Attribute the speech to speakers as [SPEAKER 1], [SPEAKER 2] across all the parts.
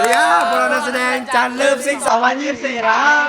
[SPEAKER 1] ดีครับพวกเรานักแสดงจันเลิฟซิก2024ครับ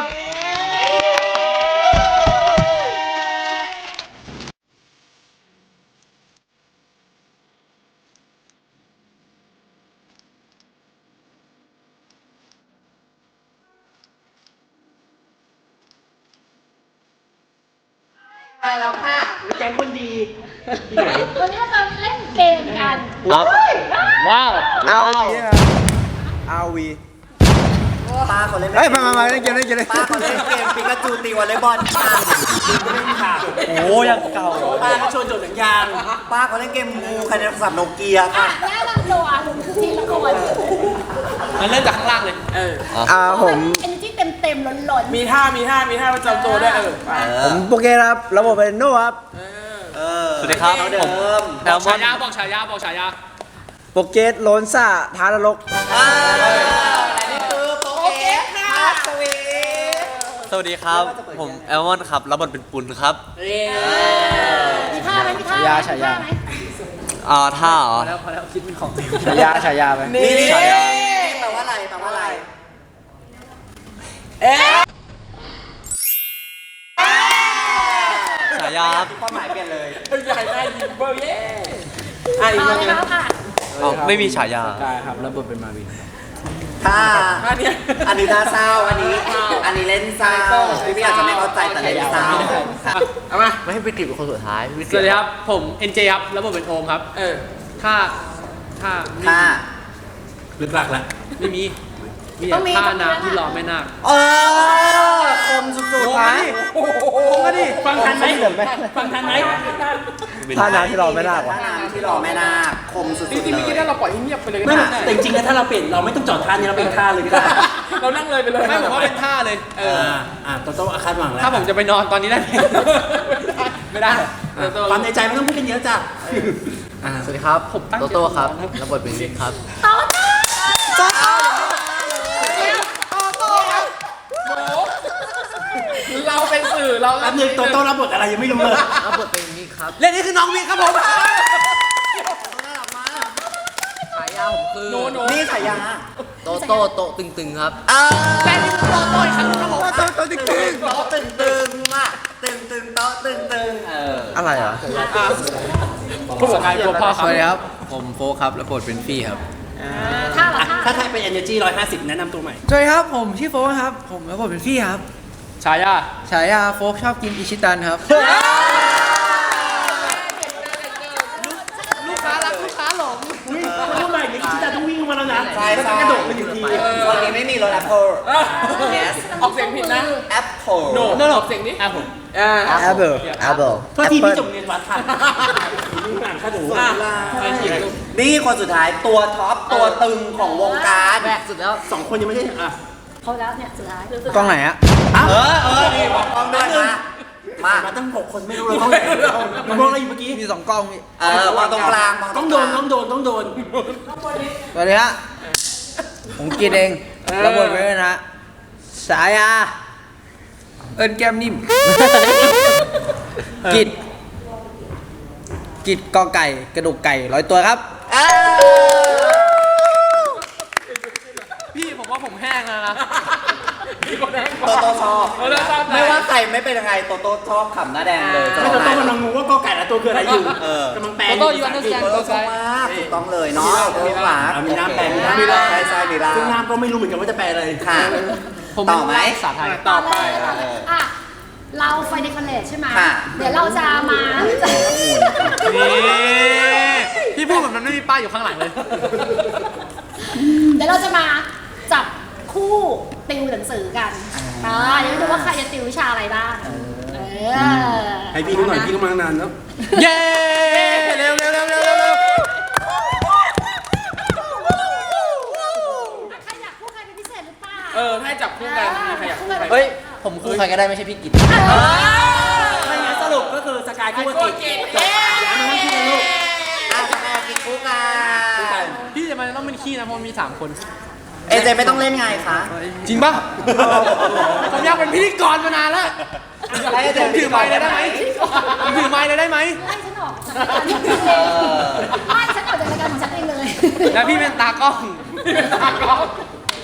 [SPEAKER 2] ไปแล้วค่ะแก๊งคนดี
[SPEAKER 3] วันนี้เราเล่นเกมกัน
[SPEAKER 4] ว้าว
[SPEAKER 1] เอาวี
[SPEAKER 2] ป้าเขาเล่น
[SPEAKER 1] เฮ้ยมาเล่นเกมเลย
[SPEAKER 2] ป้าเขาเล่นเกมปิกาจูตีวอลเลย์บอลค่ะเล่นค่ะ
[SPEAKER 4] โอ้ยังเก่า
[SPEAKER 2] ป้าเขาชวนโจทย์หนังยางป้าเขาเล่นเกมงูใครในโทรศัพท์โนเกียค่ะ
[SPEAKER 3] แนะนำตัวทีละคน
[SPEAKER 4] มันเริ่มจากข้างล่างเลย
[SPEAKER 1] ผม
[SPEAKER 3] เอเนจีเต็มล้น
[SPEAKER 4] มีท่าประจำตัวด้วย
[SPEAKER 1] ผมโปเกครับระบบเป็นโน่ครับ
[SPEAKER 4] สวัสดีครับผมแอลมอนบอกฉายา
[SPEAKER 1] โปเกตโลนซ่าท้านรก
[SPEAKER 2] และนี่คือโปเกตค่ะสวี
[SPEAKER 4] สวัสดีครับผมแอลมอนครับรับบทเป็นปุณครับ
[SPEAKER 3] มีท่าไหมมีท่าไหม
[SPEAKER 4] ท่าเหรอพอแล้วคิดเป็นของ
[SPEAKER 1] ฉายาไหม
[SPEAKER 2] นี่แปลว่าอะไร
[SPEAKER 4] ฉายา
[SPEAKER 2] ความหมายเปลี่ยนเลย
[SPEAKER 4] ใหญ่ได้ยิงเบอร์เย่
[SPEAKER 3] มาแล้วค่ะ
[SPEAKER 4] ไม่มีฉายา
[SPEAKER 1] ครับรับบทเป็นมาวิน
[SPEAKER 2] ท่าอันนี้ท่าเศร้าอันนี้เล่นเศร้าพี่อาจจะไม่เข้าใจแต่เล่นเศร้า
[SPEAKER 4] เอามาไม่ให้ไปติดเป็นคนสุดท้ายสวัสดีครับผมเอ็นเจครับรับบทเป็นโอมครับท่าลึกหลักแล้วไม่มีท่าน้ำที่รอแม่นาค
[SPEAKER 2] คมสุดๆนะ
[SPEAKER 4] ฟังทันไหม
[SPEAKER 1] ท่าน้ำที่รอแม่นาค
[SPEAKER 2] คมสุดๆ
[SPEAKER 4] จริงๆเมื่อกี้ถ้าเราปล่อยให้เงียบไปเลย
[SPEAKER 5] แต่จริงๆถ้าเราเปลี่ยนเราไม่ต้องจอดท่านี้เราเป็นท่าเลยก็ได้
[SPEAKER 4] เรานั่งเลยไปเลยไม่ผมว่าเป็นท่าเลย
[SPEAKER 5] ต้องคาดหวังแล้ว
[SPEAKER 4] ถ้าผมจะไปนอนตอนนี้ได้ไม่ได้
[SPEAKER 5] ความในใจไม่ต้องพูดกันเยอะจ้ะ
[SPEAKER 4] สวัสดีครับผมโตโต้ครับรับบทเป็นวิกครับเราเป็นสื่อเรา
[SPEAKER 5] รับนึงโตโต้รับบทอะไรยังไม่รู้เลย
[SPEAKER 4] รับบทเป็นวิกครับเล่นนี่คือน้องวิกครับผมฉายาผมคือ
[SPEAKER 2] นี่ฉายา
[SPEAKER 4] โตโต้โตตึงๆครับและนี่คือโตโต้อีกครั้งครับผม
[SPEAKER 1] โตตึง
[SPEAKER 2] โต๊ะตึงอ่ะตึงโต๊ะตึง
[SPEAKER 1] อะไรอ่ะ
[SPEAKER 4] ผู้สกายตัวพ่อครับ
[SPEAKER 1] สวัสดีครับ
[SPEAKER 4] ผมโฟครับรับบทเป็นฟี่ครับ
[SPEAKER 5] ถ้าเป็น Energy 150แนะนำตัวใหม่
[SPEAKER 1] สวัสดีครับผมชื่อโฟกครับผมรับบทเป็นฟี่ครับ
[SPEAKER 4] ฉาย
[SPEAKER 1] าโฟกชอบกินอิชิตันครับ
[SPEAKER 4] ลูกค้ารักลูกค้าหลง
[SPEAKER 5] ทำไมเนี่ยที่จะต้องวิ่งมาแล้วนะ
[SPEAKER 2] ใช่
[SPEAKER 5] กระโดดไปอยู่ที
[SPEAKER 2] วันนี้ไม่มีรถ Apple
[SPEAKER 4] yes ออกเสียงผิดนะ
[SPEAKER 2] Apple
[SPEAKER 4] โน่ออกเสียงนี้Apple
[SPEAKER 5] โทษทีพี่จบเรียนวัดทันอ่านข้าดู
[SPEAKER 2] นี่คนสุดท้ายตัวท็อปตัวตึงของวงการ
[SPEAKER 4] แบกสุดแล้ว
[SPEAKER 5] 2 คนยังไม่ใช่
[SPEAKER 3] เขาแล้วเนี่ยสุดท้าย
[SPEAKER 1] กล้องไหนอะ
[SPEAKER 2] นี่บอกกล้องด้วย
[SPEAKER 5] มาตั้ง6 คนไม่รู้เลยกล้องไหนมันมองอะไรอยู่เมื่อกี้
[SPEAKER 1] มี2 กล้อง
[SPEAKER 2] วางตรงกลาง
[SPEAKER 5] ต้องโดน
[SPEAKER 1] สวัสดีฮะผมกินเองรับบทไว้นะฉายาเอิญแก้มนิ่มกิดกอไก่กระดูกไก่100 ตัวครับ
[SPEAKER 4] พี่ผมว่าผมแห้งแล้วนะ
[SPEAKER 2] โตชอบไม่ว่าใครไม่เป็นยังไงโตชอบขำหน้าแดงเลย
[SPEAKER 5] ไม่โตกำลังงงว่ากอไก่และตัวคืออะไรอยู่กำลังแปล
[SPEAKER 4] โตอยู่อันนั้น
[SPEAKER 2] โตชอบมากถูกต้องเลยเนาะมีน้ำแปลมีน้ำใช่มีน้ำ
[SPEAKER 5] ซึ่งน้ำก็ไม่รู้เหมือนกันว่าจะแปลอะไร
[SPEAKER 2] ค่ะต่อไหม
[SPEAKER 4] ภาษาไทย
[SPEAKER 3] ต่อไปเราไฟเดคอเรทใช่ไหมเดี๋ยวเราจะมา
[SPEAKER 4] พี่พูดแบบนั้นไม่มีป้ายอยู่ข้างหลังเลย
[SPEAKER 3] เดี๋ยวเราจะมาจับคู่ติวหนังสือกันเดี๋ยวดูว่าใครจะติววิชาอะไรบ้าง
[SPEAKER 5] ให้พี่เขาหน่อยพี่ก็มานานแล้ว
[SPEAKER 4] เย้เร็ว
[SPEAKER 3] ใครอยากคู่ใครเป็นพิเศษหรือเปล่า
[SPEAKER 4] ให้จับคู่กันใครอยากคู่ใคร
[SPEAKER 1] เฮ้ยผมคู่ใครก็ได้ไม่ใช่พี่กิต
[SPEAKER 5] ไม่งั้นสรุปก็คือสกายคู่กับกิตแล้วมันไม่คู่กันลูก
[SPEAKER 2] สกายกิตคู่กัน
[SPEAKER 4] พี่จะมาต้องเป็นขี้นะเพราะมี3 คน
[SPEAKER 2] เอเจไม่ต้องเล่นไงคะ
[SPEAKER 4] จริงป่ะผมอยากเป็นพิธีกรมานานแล้วถือไมค์เลยได้ไหมถือไมค์เลยได้ไหม
[SPEAKER 3] ไล่ฉันออกจากรายการของฉันเองเลย
[SPEAKER 4] แล้วพี่เป็นตากล้อง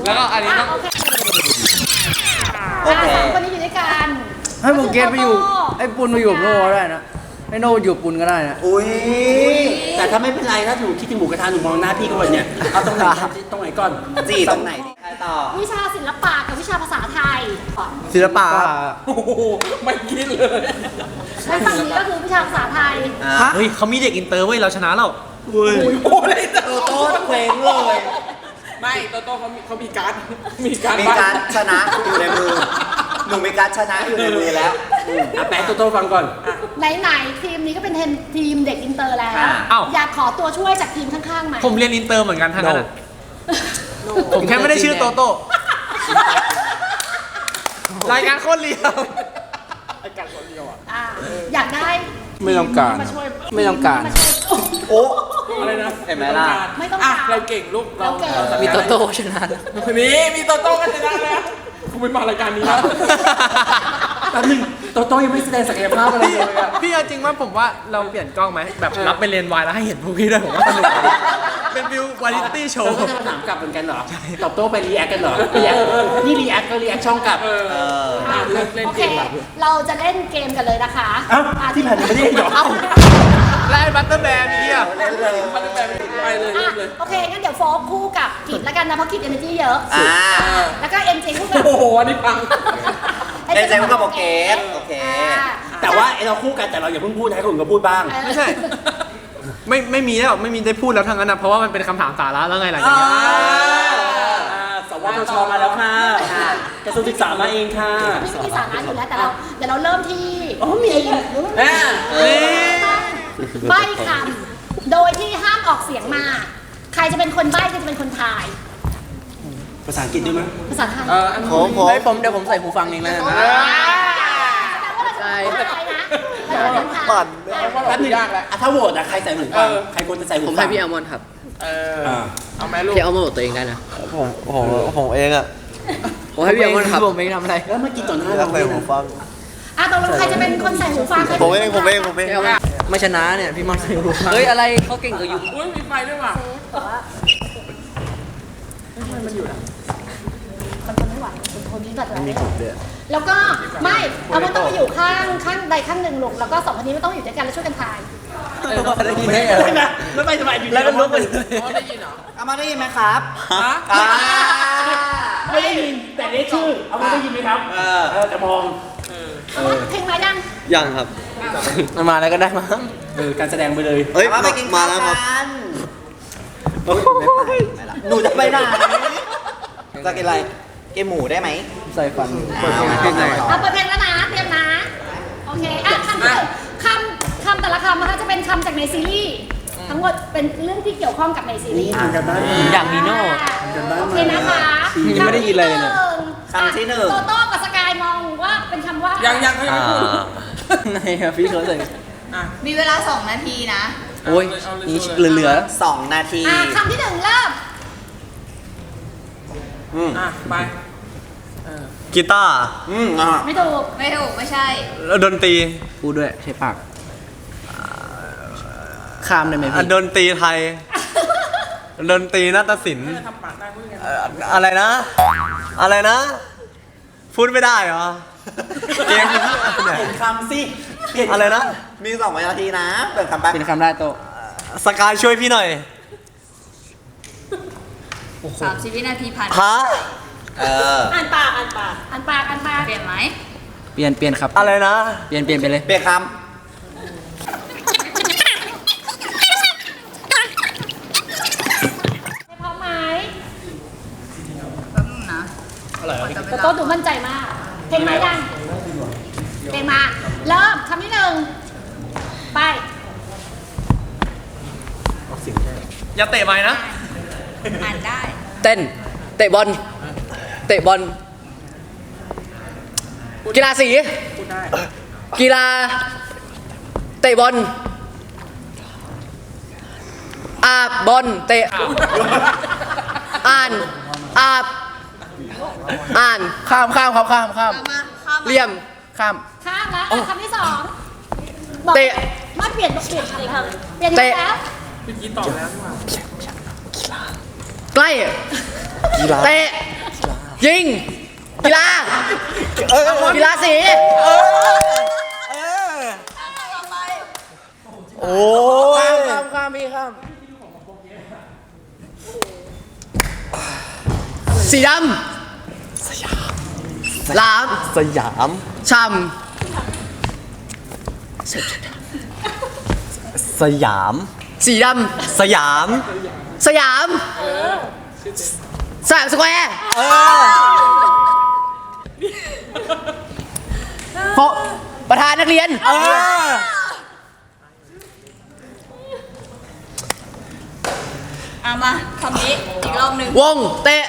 [SPEAKER 4] แล้วก็อันนี้ต้อง
[SPEAKER 3] โอเคสามคนนี้อยู่ด้วยกัน
[SPEAKER 1] ให้ผมเกณฑ์ไปอยู่ไอ้ปุนมาอยู่กับโน่ก็ได้นะให้โน่อยู่ปุนก็ได้นะ
[SPEAKER 2] อุ้ย
[SPEAKER 5] แต่ถ้าไม่เป็นไรถ้าหนูคิดถึงหมูกระทะหนูมองหน้าพี่ก่อนเนี่ยเอาตรงไหนก่อน
[SPEAKER 2] จีตรงไหนดีใครต่อ
[SPEAKER 3] วิชาศิลปะกับวิชาภาษาไทย
[SPEAKER 1] ศิลปะครับ
[SPEAKER 4] โอ้โหไม่คิดเลย
[SPEAKER 3] และฝั่งนี้ก็คือวิชาภาษาไทย
[SPEAKER 5] เฮ้ยเขามีเด็กอินเตอร์เว้ยเราชนะแล้ว
[SPEAKER 4] โอ้เลยโต
[SPEAKER 2] โต๊ดเคว้งเลย
[SPEAKER 4] ไม่โตเขามีการ์ดมีการ์ด
[SPEAKER 2] มีการชนะอยู่ในมือ หนูมีการชนะอยู่ในมือแล้ว
[SPEAKER 5] อ่ะแปลโตฟังก่อน
[SPEAKER 3] ไหนๆทีมนี้ก็เป็นทีมเด็กอินเตอร์แล้ว
[SPEAKER 5] อ้าว
[SPEAKER 3] อยากขอตัวช่วยจากทีมข้างๆไหม
[SPEAKER 5] ผมเรียนอินเตอร์เหมือนกันทั้งนั้นอะผมแค่ไม่ได้ชื่อโตโต้รายการโคตรเรียว
[SPEAKER 3] อ่ะอยากได้
[SPEAKER 4] ไม่ต้องการ
[SPEAKER 3] มาช่วย
[SPEAKER 4] ไม่ต้องการ
[SPEAKER 3] มาช่วย
[SPEAKER 2] โอ้
[SPEAKER 4] อะไรนะ
[SPEAKER 2] เห็นไหมล่ะ
[SPEAKER 3] ไม่ต้อง
[SPEAKER 4] อ่ะ
[SPEAKER 3] การ
[SPEAKER 4] เราเก่งลูก
[SPEAKER 3] เราเก่ง
[SPEAKER 4] มีโตโต้ชนะมีโตโต้กันชนะแล้วคุณไม่มารายการนี้นะ
[SPEAKER 5] แป๊บนึงโตโต้ยังไม่แสดงศักยภาพอะไรเลยอะพี่เอาจริงว่าผมว่าเราเปลี่ยนกล้องไหมแบบรับไปเรียนวายแล้วให้เห็นพวกพี่ด้วยผมว่าสนุกดีเป็นวิววาไรตี้โชว์ก็จะมาถามกลับเหมือนกันเหรอตอบโต้ไปรีแอคกันเหรอนี่รีแอคก็รีแอคช่องกลับ
[SPEAKER 4] เล่น
[SPEAKER 3] โอ
[SPEAKER 4] เก
[SPEAKER 3] เค
[SPEAKER 4] มแบบ
[SPEAKER 3] เราจะเล่นเกมกันเลยนะคะ
[SPEAKER 5] ที่ผ่านมาไม่ได้หรอไล่บัตเตอร์แบร์มีอ่ะ
[SPEAKER 2] เล่นเลย
[SPEAKER 4] มันไปเลย
[SPEAKER 3] อ่ะ
[SPEAKER 4] เล่นเลย
[SPEAKER 3] โอเคงั้นเดี๋ยวโฟกคู่กับกิจแล้วกันนะเพราะกิจ energy เยอะ
[SPEAKER 2] อ่า
[SPEAKER 3] แล้วก็เอ็นเจคู่กับ
[SPEAKER 4] โอ้โหอันนี้พัง
[SPEAKER 2] เล่นใจก็บอกเกสโอเค
[SPEAKER 5] แต่ว่าเราคู่กันแต่เราอย่าเพิ่งพูดให้คนอื่นก็พูดบ้าง
[SPEAKER 3] ไม่ใช่
[SPEAKER 5] ไม่มีแล้วไม่มีได้พูดแล้วทั้งนั้นนะเพราะว่ามันเป็นคำถามสาระแล้วไงหลังจากนี้สวทชมาแล้วค่ะกระทรวงศึกษามาเองค่ะ
[SPEAKER 3] ไม่มีสาระอยู่แล้วแต่เดี๋ยวเราเริ่มที่
[SPEAKER 5] อ๋อมี
[SPEAKER 3] ใบ้คำโดยที่ห้ามออกเสียงมา ใครจะเป็นคนใบ้ใครจะเป็นคนทาย
[SPEAKER 5] ภาษาอังกฤษด้วยมั้ย
[SPEAKER 3] ภาษาไทย
[SPEAKER 4] อัน
[SPEAKER 1] เดี๋ยวผมใส่หูฟังเองแล้วกัน
[SPEAKER 3] ใช่เราจะเป็นคนทาย
[SPEAKER 2] ปั่น
[SPEAKER 5] แป๊บนึงยากแล้วถ้าโหวตอะใครใส่หูฟังใครควรจะใส่หูฟัง
[SPEAKER 1] ผมให้พี่อัลมอนด์ครับ
[SPEAKER 4] เอาแม่ลูก
[SPEAKER 1] พี่อัลมอนด์ตัวเองได้นะ
[SPEAKER 2] ผมเองอ่ะ
[SPEAKER 1] ผมให้พี่อัลมอนด์ครับผมไม่ทำอะไร
[SPEAKER 5] แล้วเมื่อกี้ต่อหน้าเรา
[SPEAKER 2] ใส่หูฟัง
[SPEAKER 3] ตกลงใครจะเป็นคนใส่หูฟัง
[SPEAKER 2] ผมเอง
[SPEAKER 1] ไม่ชนะเนี่ยพี่มอนใส่หูฟังเฮ้ยอะไรเขาเก่งกว่าอยู่
[SPEAKER 4] อุ้ยมีไฟด้วยว่ะ
[SPEAKER 3] มันทนไม่ไหวเป็นคนที่แบบไม่ไหวแล้วก็ไม่เอามันต้องไปอยู่ข้างใดข้างหนึ่งลูกแล้วก็สองคนนี้ไม่ต้องอยู่ด้วยกันแล้วช่วยกันทาย
[SPEAKER 5] ไม่ไปสบายอยู่แล้วก็ลุกไปเลย
[SPEAKER 4] ได้ยินเหรอ
[SPEAKER 2] เอามาได้ยินไหมครับ
[SPEAKER 4] ฮะ
[SPEAKER 5] ไม่ได้ยินแต่ได้ชื่อเอาไม่ได้ยินไหมครับจะมอง
[SPEAKER 3] เอาว่าเพลงมายัง
[SPEAKER 1] ยังครับมาแล้วก็ได้มั้ง
[SPEAKER 5] การแสดงไปเลย
[SPEAKER 2] เฮ้ยมากินมาแล้วครับหนูจะไปไหนจะกินอะไรกินหมูได้ไหม
[SPEAKER 1] ใส่ฟัน
[SPEAKER 3] เอาเปิดเพลงแล้วนะเตรียมนะโอเคอ่ะคำแต่ละคำนะคะจะเป็นคำจากในซีรีส์ทั้งหมดเป็นเรื่องที่เกี่ยวข้องกับในซีรีส์
[SPEAKER 1] อย่างนีโน่
[SPEAKER 3] โอเคนะคะ
[SPEAKER 1] ยังไม่ได้ยินอะไรเลยเนี่ย
[SPEAKER 2] คำที่หนึ่ง
[SPEAKER 3] โตโต้กับสกายมองว่าเป็นคำว่า
[SPEAKER 4] ยังเขายังไม่พูด
[SPEAKER 1] ในพี่เขาใส่
[SPEAKER 6] มีเวลา 2 นาทีนะ
[SPEAKER 1] โอ้ยนี่เหลือ
[SPEAKER 2] 2 นาที
[SPEAKER 3] คำที่หนึ่งเริ่ม
[SPEAKER 4] ไป
[SPEAKER 5] กีตาร์
[SPEAKER 3] ไม่ถูก
[SPEAKER 6] ไม่ถูก ไม่ใช่
[SPEAKER 5] แล้วดนตรี
[SPEAKER 1] พูดด้วยใช้ปากข้ามได้ไหมพี่
[SPEAKER 5] ดนตรีไทย ดนตรีนาฏศิลป์
[SPEAKER 4] ทำปากได้พูดยังไง
[SPEAKER 5] อะไรนะ อะไรนะ พูดไม่ได้เหรอ เกมนี้เปลี่ยนคำสิอะไรนะ
[SPEAKER 2] มี2 นาทีนะเปิดคำไป
[SPEAKER 1] เป็นคำได้โต
[SPEAKER 5] สกายช่วยพี่หน่อย
[SPEAKER 6] 30 วินาทีผ่าน
[SPEAKER 5] ฮะ
[SPEAKER 3] อ่านปาก
[SPEAKER 6] เปลี่ยนไหม
[SPEAKER 1] เปลี่ยนครับ
[SPEAKER 5] อะไรนะ
[SPEAKER 1] เปลี่ยนไปเลย
[SPEAKER 2] เปลี่ยนค
[SPEAKER 3] พร้อมไหม
[SPEAKER 6] แป๊บนึงนะ
[SPEAKER 3] โตโต้ดูมั่นใจมาก เพลงมายังเพลงมา เริ่มคำที่หนึ่งไป
[SPEAKER 5] อย่าเตะไม้นะ
[SPEAKER 6] อ่านได้
[SPEAKER 1] เต้นเตะบอลกีฬาสี
[SPEAKER 4] พูดได้
[SPEAKER 1] กีฬาเตะบอลอาบบอลเตะอ่านอาบอ่านข้ามครับข้าม
[SPEAKER 6] เอามาข้ามมา
[SPEAKER 1] เลี่ยมข้าม
[SPEAKER 3] ข้ามแล้วคำที่สองบอก
[SPEAKER 1] เตะ
[SPEAKER 3] มาเปลี่ยนคำอีกคำเปลี่ยนอีก
[SPEAKER 1] เตะ
[SPEAKER 3] แล้ว
[SPEAKER 4] เมื่อกี้ตอบแล้วนี่หว่า
[SPEAKER 1] ใกล้เตะยิงกีฬากีฬาสี
[SPEAKER 2] โอ้ย
[SPEAKER 1] ข้ามพี่ข้ามสีดำหลาม
[SPEAKER 2] สยาม
[SPEAKER 1] ช่
[SPEAKER 2] สยาม
[SPEAKER 1] ำสีด
[SPEAKER 2] สยาม
[SPEAKER 1] ำสยามสยามสแควร์โฟประธานนักเรียน
[SPEAKER 6] มาคำนี้อีกรอบหนึ่ง
[SPEAKER 1] วงเตะ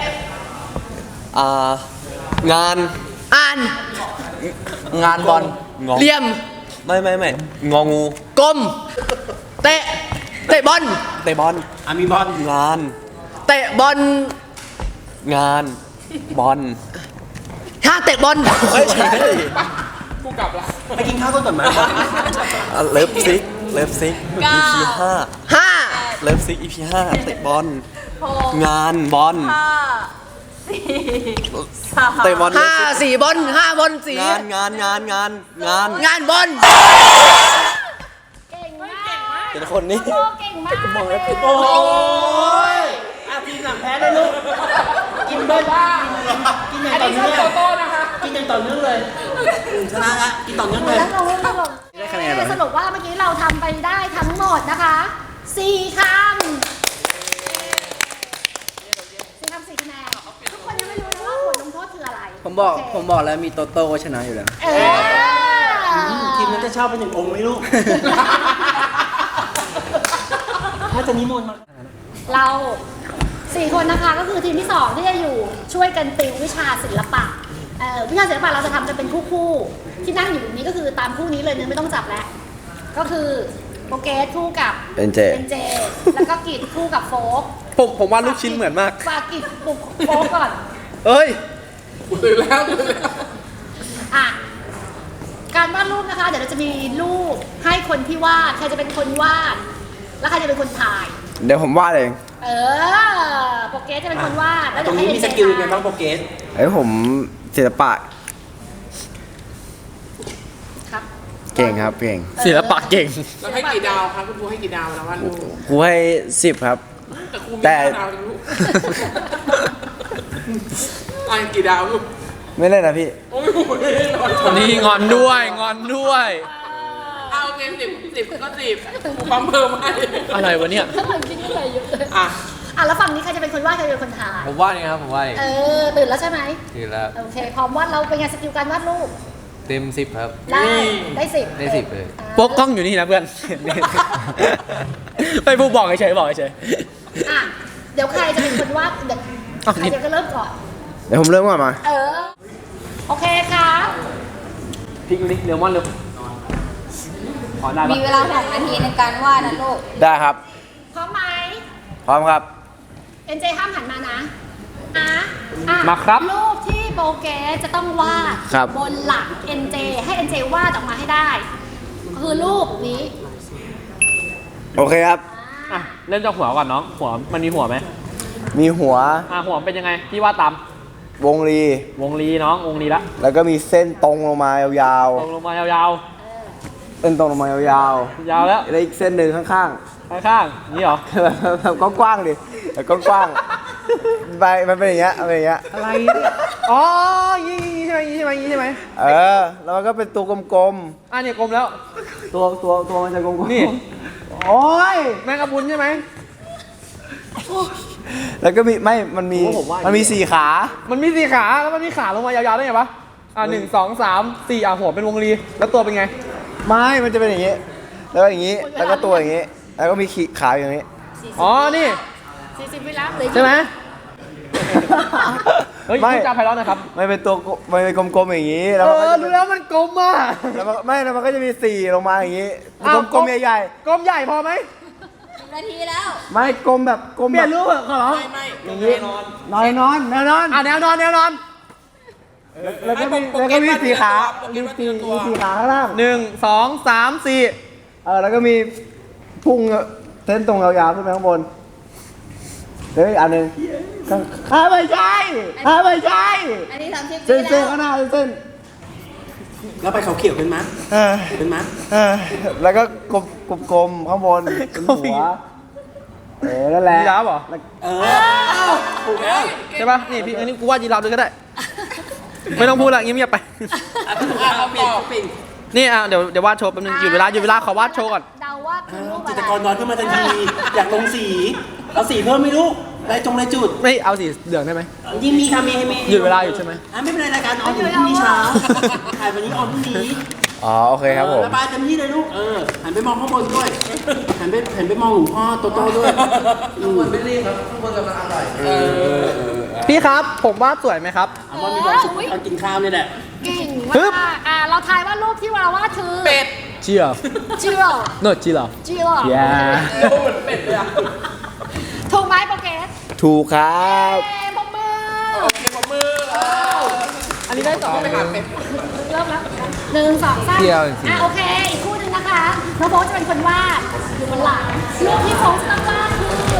[SPEAKER 2] งาน
[SPEAKER 1] อ่าน
[SPEAKER 2] งานบอลงอ
[SPEAKER 1] เหลี่ยม
[SPEAKER 2] ไม่งองู
[SPEAKER 1] กลมเตะเตะบอล
[SPEAKER 2] เตะบอลมีบอลงาน
[SPEAKER 1] เตะบอล
[SPEAKER 2] งานบอล
[SPEAKER 1] ถ้าเตะบอล
[SPEAKER 2] ไม่ใช่
[SPEAKER 5] กูกลับละ
[SPEAKER 2] ไปกินข้าวก่อนไหมเลิฟซิกEP 5
[SPEAKER 1] ห้า
[SPEAKER 2] เลิฟซิก EP 5เตะบอล
[SPEAKER 6] หก
[SPEAKER 2] งานบอล
[SPEAKER 6] ห้าสี่สาม
[SPEAKER 2] เตะบอล
[SPEAKER 1] ห้าสี่บอลห้าบอลสี
[SPEAKER 2] งาน
[SPEAKER 1] งานบอล
[SPEAKER 3] เก่งมาก
[SPEAKER 2] เป็นคนนี้
[SPEAKER 3] โอ้เก่งมากเลย
[SPEAKER 4] โอ้ยทีมหลังแพ้ได้ลูกกินเบิ้ลกินอย่างต่อเนื่องกินอย่างต่อเนื่องเลยชนะละกินต่อเนื่องเลย
[SPEAKER 3] แล้วลงได้คะแนนสรุปว่าเมื่อกี้เราทำไปได้ทั้งหมดนะคะ4 คำ4 คำ 4 คะแนนทุกคนยังไม่รู้นะว่าบทลงโทษคืออะไร
[SPEAKER 1] ผมบอก
[SPEAKER 3] โเค
[SPEAKER 1] ผมบอกแล้วมีโตโต้ชนะอยู่แล้ว
[SPEAKER 4] ทีมนั้นจะเช่าเป็น1 องค์ไหมลูกถ้าจะนิมนต์มา
[SPEAKER 3] เรา4 คนนะคะก็คือทีมที่ 2 ที่จะอยู่ช่วยกันติววิชาศิลปะวิชาศิลปะเราจะทำกันเป็นคู่ๆที่นั่งอยู่ตรงนี้ก็คือตามคู่นี้เลยเนี่ยไม่ต้องจับแล้วก็คือโปรเกสคู่กับ
[SPEAKER 2] NJ
[SPEAKER 3] แล้วก็กิจคู่กับโฟก
[SPEAKER 1] ผมว่าลูกชิ้นเหมือนมาก
[SPEAKER 3] ฝากกิจปลุกโฟกก่อน
[SPEAKER 1] เอ้ย
[SPEAKER 5] ตื่นแล้ว
[SPEAKER 3] อ่ะการวาดรูปนะคะ เดี๋ยวเราจะมีรูปให้คนที่วาดใครจะเป็นคนวาด แล้วใครจะเป็นคนถ่าย
[SPEAKER 1] เดี๋ยวผมวาดเอง
[SPEAKER 3] โปรเกสจะเป็นคนวาดแล้ว
[SPEAKER 4] ตร
[SPEAKER 3] เดี๋ยว
[SPEAKER 4] ง
[SPEAKER 3] ให้
[SPEAKER 4] นี้มี
[SPEAKER 3] NJ
[SPEAKER 4] สกิลยังไงบ้างโปรเกส
[SPEAKER 1] ผมศิลปะ
[SPEAKER 3] ครับ
[SPEAKER 1] เก่งครับเก่ง
[SPEAKER 5] ศิลปะเก่งแล้วให้กี่ดาวครับคุณครูให้กี่ดาวแล้วว่าลูก
[SPEAKER 1] ครูให้10 ครับ
[SPEAKER 5] แต่ครูมี
[SPEAKER 1] แต่
[SPEAKER 5] 5 ดาวลูกกี่ดาวลูก
[SPEAKER 1] ไม่เล่นนะพี่
[SPEAKER 5] โอ้ยคนนี้งอนด้วยงอนด้วยเอาโอเค10ก็10ครูปั๊มเพิ่มให้อะไรวะเนี่ย
[SPEAKER 3] ข้างหลังจริงอะไรเยอะเลย
[SPEAKER 5] อ่ะ
[SPEAKER 3] แล้วฝั่งนี้ใครจะเป็นคนวาดใครจะเป็นคนถ่าย
[SPEAKER 5] ผมว่าไงครับผมว่า
[SPEAKER 3] ตื่นแล้วใช่ไหม
[SPEAKER 5] ทีแล้ว
[SPEAKER 3] โอเคพร้อมวาดเราเป็นไงสกิลการวาดรูป
[SPEAKER 5] เต็ม10ครับ
[SPEAKER 3] ได้10
[SPEAKER 5] ได้10เลย
[SPEAKER 1] โป๊กกล้องอยู่นี่นะเพื่อน ไปพูดบอกเฉยๆบอกเฉย
[SPEAKER 3] อ่ะเดี๋ยวใครจะเป็นคนวาดเดี๋ยวใครจะก็เริ่มก่อน
[SPEAKER 1] เดี๋ยวผมเริ่มก่อนมา
[SPEAKER 3] โอเคครับ
[SPEAKER 5] พลิกนิดเร็วมอนเร็วขอได้ปะ
[SPEAKER 6] มีเวลา6 นาทีในการวาดนะลูก
[SPEAKER 1] ได้ครับ
[SPEAKER 3] พร้อมไหม
[SPEAKER 1] พร้อมครับ
[SPEAKER 3] NJ ห้ามหันมานะอ่ะ
[SPEAKER 5] มาครับ
[SPEAKER 3] รูปที่โปรเกสจะต้องวาด
[SPEAKER 1] ครับ
[SPEAKER 3] บนหลัง NJ ให้ NJ วาดออกมาให้ได้ คือรูปนี้
[SPEAKER 1] โอเคครับ
[SPEAKER 5] อ่ะเริ่มจากหัวก่อนน้องหัวมันมีหัวไหม
[SPEAKER 1] มีหัว
[SPEAKER 5] หัวเป็นยังไงพี่ว่าตาม
[SPEAKER 1] วงรี
[SPEAKER 5] วงลีน้องวงลีละ
[SPEAKER 1] แล้วก็มีเส้นตรงลงมายาว
[SPEAKER 5] ตรงลงมายาว
[SPEAKER 1] ๆเส้นตรงลงมายาว
[SPEAKER 5] ๆยาวแล้ว
[SPEAKER 1] ๆแล้วอีกเส้นหนึ่งข้าง
[SPEAKER 5] ข้างๆนี่เหรอ
[SPEAKER 1] ๆแบบกว้างๆดิแบบกว้างๆไปมันเป็นอย่างเงี้ยมันเป็นอย่างเงี้ย
[SPEAKER 5] อะไรเนี่ยอ๋อยี่ใช่ไหมยี่ใช่ไหมยี่ใช่ไหม
[SPEAKER 1] แล้วมันก็เป็นตัวกลม
[SPEAKER 5] เนี่ยกลมแล้ว
[SPEAKER 1] ๆตัวมันจะกลมๆ
[SPEAKER 5] นี่
[SPEAKER 1] โอ้ย
[SPEAKER 5] แมงกะพรุนใช่ไหม
[SPEAKER 1] แล้วก็มีมันมี
[SPEAKER 5] ผมว่า
[SPEAKER 1] มันมี4 ขา
[SPEAKER 5] มันมี4 ขาแล้วมันมีขาลงมายาวๆได้ไงวะ1 2 3 4หัวเป็นวงลีแล้วตัวเป็นไง
[SPEAKER 1] ไม่มันจะเป็นอย่างงี้ แล้วก็อย่างงี้ แล้วก็ตัวอย่างงี้ แล้วก็มีขาอย่างงี้
[SPEAKER 5] อ๋อนี่
[SPEAKER 3] 40 วิแล้วเลย
[SPEAKER 5] ใช่ไหมเฮ้ย
[SPEAKER 1] ไม่
[SPEAKER 5] พูดจาไพเราะหนะครับ
[SPEAKER 1] มันเป็นตัวมันเป็นกลมๆอย่างงี้ แล้วมันก็จะ
[SPEAKER 5] รู้แล้วมันกลมอ่ะ
[SPEAKER 1] แล้วมันก็จะมี4ลงมาอย่างงี้กลมๆใหญ่
[SPEAKER 5] กลมใหญ่พอไหม
[SPEAKER 6] 1 นาทีแล้ว
[SPEAKER 1] ๆไม่กลมแบบกลม
[SPEAKER 5] เปลี่
[SPEAKER 1] แบ
[SPEAKER 5] ยน
[SPEAKER 1] บ
[SPEAKER 5] รูปเหรอขอร้อง
[SPEAKER 1] อย่างงี้นอนแนวนอน
[SPEAKER 5] แนวนอนแนวนอน
[SPEAKER 1] แล้วก็มี4 ขามี4 ขาข้างล่าง
[SPEAKER 5] 1 2 3 4
[SPEAKER 1] แล้วก็มีพุ่งเส้นตรงยาวๆขึ้นไปข้างบนแล้วอีกอันหนึ่ง
[SPEAKER 4] ไม่ใช่ไม่ใช่
[SPEAKER 6] อันนี้30
[SPEAKER 4] เส้
[SPEAKER 6] ปี
[SPEAKER 4] นเส้น
[SPEAKER 6] แล้ว
[SPEAKER 4] ข้างหน้าเส้น
[SPEAKER 2] แล้วไปเขาเขียวเป็นมั้ย
[SPEAKER 4] เออ
[SPEAKER 2] เป็นมั้ย
[SPEAKER 4] แล้วก็กลมๆข้างบนเป็นหัวนั่นแหละ
[SPEAKER 5] ยีราฟเหรอ
[SPEAKER 2] เออถูกแล้ว
[SPEAKER 5] ใช่ป่ะนี่พี่อันนี้กูวาดยีราฟด้วยก็ได้ ไม่ต้องพูดละเงียบๆไป
[SPEAKER 2] เอาเปลี่ยนเอาเปลี่ยน
[SPEAKER 5] นี่อ่ะเดี๋ยววาดโชว์แป๊บนึงหยุดเวลาขอวาดโชว์ก่อน
[SPEAKER 3] เดาว่าคือรูป
[SPEAKER 2] จิ
[SPEAKER 3] อะ
[SPEAKER 2] ต
[SPEAKER 3] ไร
[SPEAKER 2] รกรนอนขึ้นมาทันทีอยากลงสีเอาสีเพิ่มไม่รู้ลายจุด
[SPEAKER 5] ไม่เอาสีเหลืองได้ไหม
[SPEAKER 2] ยิ่งมีค่ะมี
[SPEAKER 5] หยุดเวลาอยู่ใช่ไหม
[SPEAKER 2] ไม่เป็นไรรายการออนอยู่พรุ่งนี้เช้าถ่ายวันนี้ออนพรุ่งนี้
[SPEAKER 4] อ๋อโอเคครับผม
[SPEAKER 2] ระบายเต็มที่เลยลูกหันไปมองข้างบนด้วยหันไปมองหลวงพ่อโตโต้ด้วยข้างบนไม่รีบครับข้างบนกำลังอร่อย
[SPEAKER 5] พี่ครับผมวาดสวยไหมครับ
[SPEAKER 2] เอาว่ามีความสุขตอนกินข้าวนี่แหละ
[SPEAKER 3] เก่ง
[SPEAKER 5] ปึ๊บ
[SPEAKER 3] มากเราทายว่ารูปที่เราวาดคือ
[SPEAKER 5] เป็ดเจียว
[SPEAKER 3] จิโร่
[SPEAKER 5] โนจิโร่
[SPEAKER 3] จิโร่
[SPEAKER 5] Yeah
[SPEAKER 3] ถูกไหมโปรเกส
[SPEAKER 4] ถูกครับ
[SPEAKER 3] ปรบมือ
[SPEAKER 5] อันนี้ได้สองไหมครับเป็ด
[SPEAKER 3] เริ่มแล้ว1 2 3
[SPEAKER 5] เดียวจริงๆ
[SPEAKER 3] โอเค อีกคู่หนึ่งนะคะน้องโบ๊ทจะเป็นคนวาดอยู่บนหลังรูปที่โบ๊ทจะต้องวาดคือ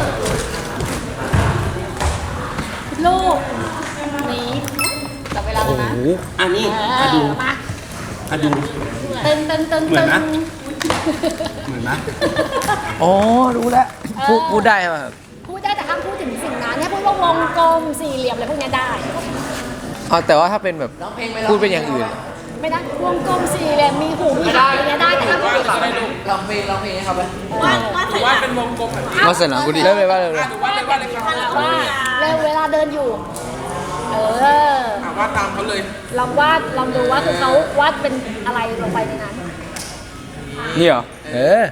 [SPEAKER 3] รูปนี้
[SPEAKER 6] จับเวลาแล้วนะ
[SPEAKER 2] อันนี้
[SPEAKER 3] มา
[SPEAKER 2] ดู
[SPEAKER 3] ตึง
[SPEAKER 2] เหมือนนะ เหมือนนะ
[SPEAKER 5] อ๋อรู้แล้วพูดได้ไหมครับ
[SPEAKER 3] พูดได้แต่ห้ามพูดถึงสิ่งนั้นให้พูดว่าวงกลมสี่เหลี่ยมอะไรพวกเนี้ยได้
[SPEAKER 5] อ๋อแต่ว่าถ้าเป็นแบบพูดเป็นอย่างอื่น
[SPEAKER 3] ไม่ได้วงกลมสี่เหลี่ยมมีหูมีหางอะไรเงี้ยได้แต่ห้ามพูดถึง
[SPEAKER 5] ลองเพลงให้เขาไป
[SPEAKER 6] วาดเป็นวงกลมแบบนี้
[SPEAKER 5] มาเสร็จแล้วกูดิเริ่มเลยว่าเลย
[SPEAKER 6] วาดเลยครับ
[SPEAKER 3] เร็วเวลาเดินอยู่
[SPEAKER 5] วาดตามเขาเลย
[SPEAKER 3] ลองดูว่าคือเขาวาดเป็นอะไรลงไปในนั้น
[SPEAKER 5] นี่เหรอ
[SPEAKER 3] เก่ง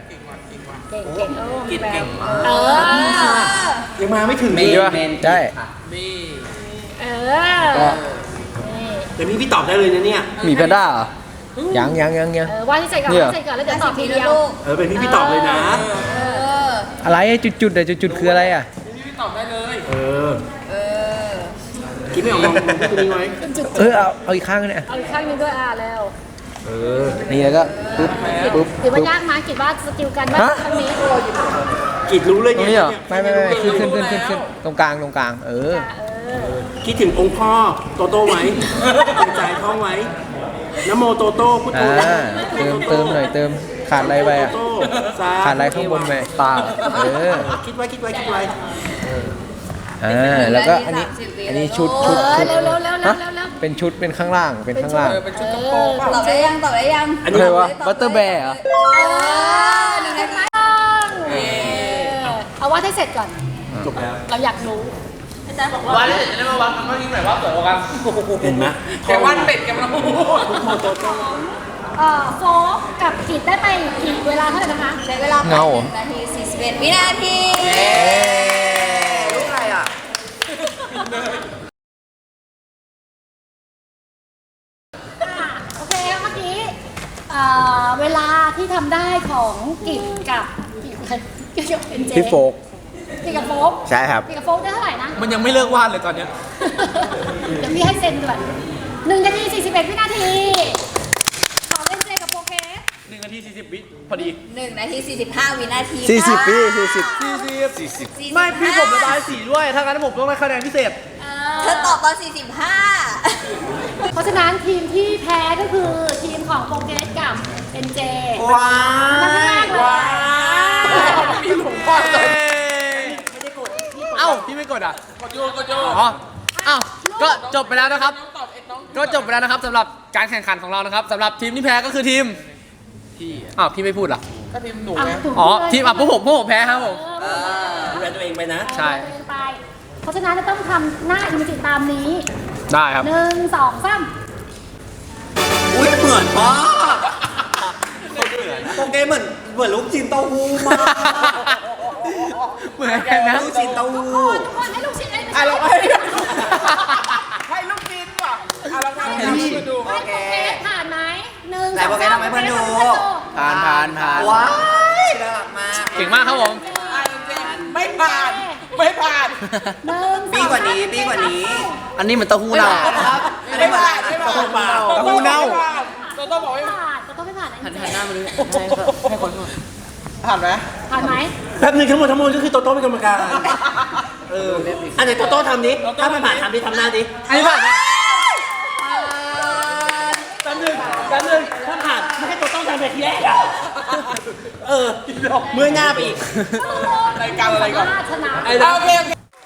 [SPEAKER 2] ยังมาไม่ถึง
[SPEAKER 5] มีป่ะใช่
[SPEAKER 2] แต่พี่ตอบได้เลยนะเนี่ย
[SPEAKER 5] มีแพนด้าเหรอยัง
[SPEAKER 3] วาดที่ใจก่อนวาดที่ใจก่อนแล้วเดี๋ยวตอบทีเดียว
[SPEAKER 2] เป็นพี่ตอบเลยนะ
[SPEAKER 5] อะไรจุดแต่จุดคืออะไรอ่ะ
[SPEAKER 2] คิดไม่ออกมองพี่คนนี้ไว้
[SPEAKER 5] เอาอีกข้างนึงเนี่ย
[SPEAKER 3] เอาอีกข้างหนึงด้วยแล้ว
[SPEAKER 5] นี่แล้วก็ปึ๊บ
[SPEAKER 3] ถือว่ายากไหมคิดว่าสกิลการวาดครั้งนี้
[SPEAKER 2] กิดรู้เลย
[SPEAKER 5] ตรงนี้เหรอไม่ขึ้นตรงกลาง
[SPEAKER 2] คิดถึงองค์พ่อโตโต้ไว้ในใจท่องไว้นโมโตโต้พุทโธ
[SPEAKER 5] เติมหน่อยเติมขาดอะไรไปอ่ะขาดอะไรข้างบนไปเปล่า
[SPEAKER 2] คิดไว้
[SPEAKER 5] แล้วก็อันนี้ชุด
[SPEAKER 3] เร็ว
[SPEAKER 5] เป็นชุดเป็นข้างล่างเป็นข้างล่าง
[SPEAKER 6] ตอบได้ยัง
[SPEAKER 2] อันนี้
[SPEAKER 5] อะไรวะบัตเตอร์แบร์เหรอ
[SPEAKER 6] 1 นาที
[SPEAKER 3] เอาวาดให้เสร็จก่อน
[SPEAKER 2] จบแล้ว
[SPEAKER 3] เราอยากรู้
[SPEAKER 6] อาจารย์บอกว่า
[SPEAKER 5] วันนี้จะได้มาวัดกันว่าทีมไหนว่าสวยกว่ากัน
[SPEAKER 2] เห็นไหม
[SPEAKER 5] แกวันเป็ดแกมันพูด
[SPEAKER 2] โตโต้
[SPEAKER 3] โฟกกับกิดได้ไปกี่เวลาเท่าไหร่นะคะ
[SPEAKER 6] ใช้เวลาไป1 นาที 41 วินาที
[SPEAKER 2] รู้ใครอ่ะ
[SPEAKER 3] โอเคเมื่อกี้เวลาที่ทำได้ของกิดกับเอ็นเจ
[SPEAKER 4] พี่โฟก
[SPEAKER 3] กิดกับโฟก
[SPEAKER 4] ใช่ครับ
[SPEAKER 3] กิดกับโฟกได้เท่าไหร่นะ
[SPEAKER 5] มันยังไม่เลิกวาดเลยตอนเนี้ย
[SPEAKER 3] เดี๋ยวพี่ให้เซ็นด่วน1 นาที 41 วินาทีของเอ็นเจกับโปรเกส
[SPEAKER 5] 1 นาที 40 วิพอดี
[SPEAKER 6] 1 นาที 45 วินาที
[SPEAKER 4] 40 ปี
[SPEAKER 6] 40
[SPEAKER 5] ไม่พี่ผมระบายสีด้วย ถ้างั้นผมต้องได้คะแนนพิเศษ
[SPEAKER 6] เธอตอบตอน
[SPEAKER 3] เพราะฉะนั้นทีมที่แพ้ก็คือทีมของโปรเกสกับเอ็นเจ
[SPEAKER 2] ว้า
[SPEAKER 3] น่ารักเลย
[SPEAKER 5] มีหลวงพ่อเลยเอ้า พี่ไม่กดอ่ะ กดโยอ๋อเอ้าก็จบไปแล้วนะครับ ก็จบไปแล้วนะครับสำหรับการแข่งขันของเรานะครับสำหรับทีมที่แพ้ก็คือทีมพี่อ้าวพี่ไม่พูดเหรอ
[SPEAKER 3] ก็ทีมหนู
[SPEAKER 5] อ๋อทีมพวกผมแพ้ครับผม
[SPEAKER 2] ดูแลตัวเองไปนะ
[SPEAKER 5] ใช่
[SPEAKER 3] เพราะฉะนั้นจะต้องทำหน้าอิมจิตามนี้
[SPEAKER 5] ได้ครับ
[SPEAKER 3] 1 2 3
[SPEAKER 2] อุ้ยเหมือนมากโปเกเหมือนลูกชิ้นเต้าหู้มาก
[SPEAKER 5] เหมือนกันนะ
[SPEAKER 2] ลูกชิ้นเต้าหู้
[SPEAKER 3] ทุกคนให้ลูกชิ้นให้
[SPEAKER 5] อ่ะเราให้
[SPEAKER 3] ให้โปรเกสผ่านไหม1
[SPEAKER 2] แต่โปเกทำให้เพื่อนดู
[SPEAKER 5] ผ่าน
[SPEAKER 2] ว้ายน่ารักมาก
[SPEAKER 5] เก่งมากครับผม
[SPEAKER 3] ไม่ผ่าน1
[SPEAKER 2] ปีกว่านี้ปีกว่านี้
[SPEAKER 5] อันนี้มันเต้าหู้เน่า
[SPEAKER 2] ไม่ผ่านเต้าหู้เปล่า
[SPEAKER 5] เต้าหู้เน่า
[SPEAKER 3] ต้องไม่ผ่านหันหน้ามาเลย
[SPEAKER 5] ให้คนผ่านไหม
[SPEAKER 3] ผ่านไหม
[SPEAKER 2] แป๊บนึงทั้งหมดก็คือโตโต้เป็นกรรมการ
[SPEAKER 4] อันไหนโตโต้ทำดิถ้าไม่ผ่านทำดิทำหน้าดิ
[SPEAKER 5] อันนี้ผ่าน
[SPEAKER 4] แป๊บนึงถ้าผ่านไม่ให้โตโต้ทำแบบทีแรกเมื่อยหน้าไปอีก
[SPEAKER 5] รายการอะไรก่อน
[SPEAKER 3] ชนะ
[SPEAKER 5] โอเค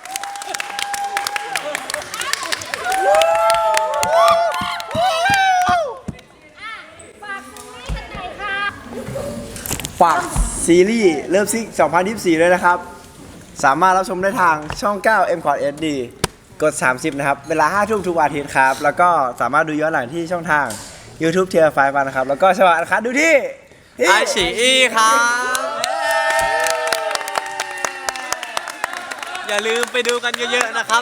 [SPEAKER 3] ฝากซีรีส์กันหน่อยค่ะ
[SPEAKER 7] ฝากซีรีส์เริ่มซิก2024ด้วยนะครับ สามารถรับชมได้ทางช่อง 9 m c o t SD กด 30 นะครับ เวลา 5 ทุ่มทุกวันอาทิตย์ครับ แล้วก็สามารถดูย้อนหลังที่ช่องทาง YouTube เทียร์ไฟฟันนะครับ แล้วก็สวัสดีครับดูที่
[SPEAKER 1] ไอฉีอีครับ อย่าลืมไปดูกันเยอะๆนะครับ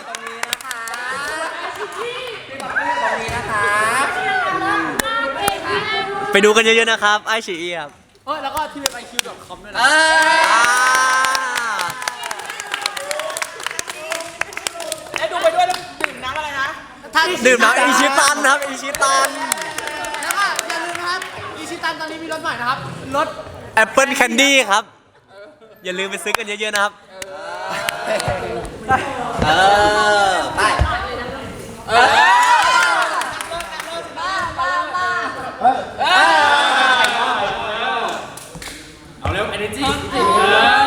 [SPEAKER 1] ไปดูกันเยอะๆนะครับไอฉีอีครับ
[SPEAKER 5] แล้วก็ที่เว็บ iq.com ด้วยนะ
[SPEAKER 1] ดื่มน้ำอิชิตันครับอิชิตัน
[SPEAKER 5] แล้วก็อย่าลืมนะครับอิชิตันตอนนี้มีรถใหม่นะครับ รถ
[SPEAKER 1] แอปเปิลแคนดี้ครับ อย่าลืมไปซื้อกันเยอะๆนะครับ
[SPEAKER 4] ไป
[SPEAKER 2] เอาเร็ว energy